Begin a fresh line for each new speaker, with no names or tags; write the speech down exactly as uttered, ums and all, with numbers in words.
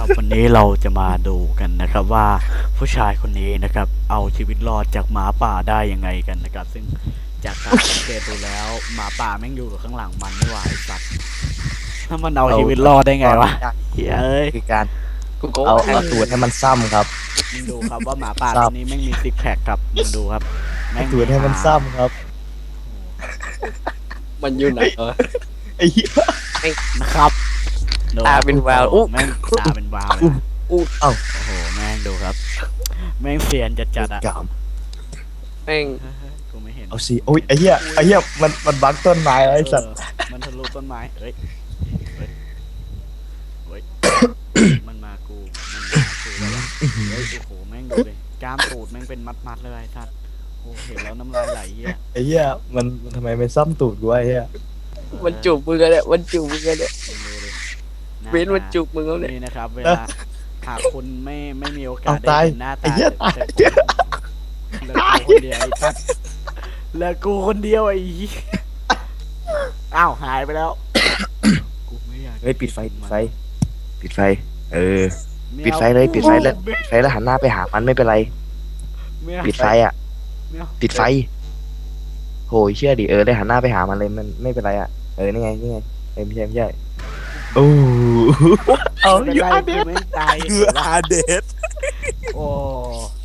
ครับวันนี้เราจะมาดูกันนะครับว่าผู้ชายคนนี้นะครับเอาชีวิตรอดจากหมาป่าได้ยังไงกันนะครับซึ่งจากการสังเกตดูแล้วหมาป่าแม่งอยู่ข้างหลังมันไม่ไหวสัตว์ถ้ามันเอาชีวิตรอดได้ไงวะเฮ้ย
คือการ
กูโก้
เอาเอาตูดให้มันซ้ำครับ
มึงดูครับว่าหมาป่าตัวนี้แม่งมีซิกแพคครับมึงดูครับแม่ง
ตูดให้มันซ้ำครับ
มันอยู่ไหนเออ
ไอ้เหี้ย
นะครับดู
ตาเป็นวาวอุ๊
แม่งตาเป็นวาวเลยนะ
อู้เอ้า
โอ้โหแม่งดูครับ แม่งเสียนจัดจัดๆอะ
กาม
แม่ง
เฮ้ยๆกูไม่เห็น
เอาสิโอ้ยไอ้เหี้ยไอ้เหี้ยมันมันบังต้นไม้แล้วไอ้สัตว์
เออมันทะลุต้นไม้เอ้ยเฮ้ยเฮ้ย มันมากู มันมากูแล้ววะเฮ้ยโอ้โหแม่งดูเลยกล้ามตูดแม่งเป็นมัดๆเลยไอ้สัตว์โอ้เห็นแล้วน้ำลายไหลเหี้ย
ไอ้เหี้ยมันมันทำไมไม่ซ้ำตูดกูวะไอ้เหี้ย
มันจูบมึงกันเนี่ยมันจูบมึงกันเนี่ย
มึงดูดิหา
เว้นมันจูบมึงแล้วเนี่ย
นี่นะครับเวลาหากคุณไม่ไม่มีโอกา
เอา
ส
ตา
ได้
ย
เห็นหน้า
ไอ้
ตา
เหี้ยตาย
แต่กูคนเดียวไอ้สัตว์แล้วกูคนเดียวไอ้เหี้ยอ้าวหายไปแล้วกูไม่อยาก
เฮ้ยปิดไฟปิดไฟปิดไฟ เออ
ม่
ปิด
อา
ไฟเลยปิดไฟเลย
ม่
ปิดไฟแล้วหันหน้าไปหามันไม่เป็นไร
ไม่เอา
ปิดไฟอ่ะ
ไม่เอา
ปิดไฟโหยเชื่อดิเออได้หันหน้าไปหามันเลยมันไม่เป็นไรอ่ะเออนี่ไงนี่ไงเออไม่ใช่ไม่ใช่โอ้เอา
ไม่
อยู่
เป็นไร
อาเด
กู
ส
ไม่ตาย
คืออาเดส
โอ้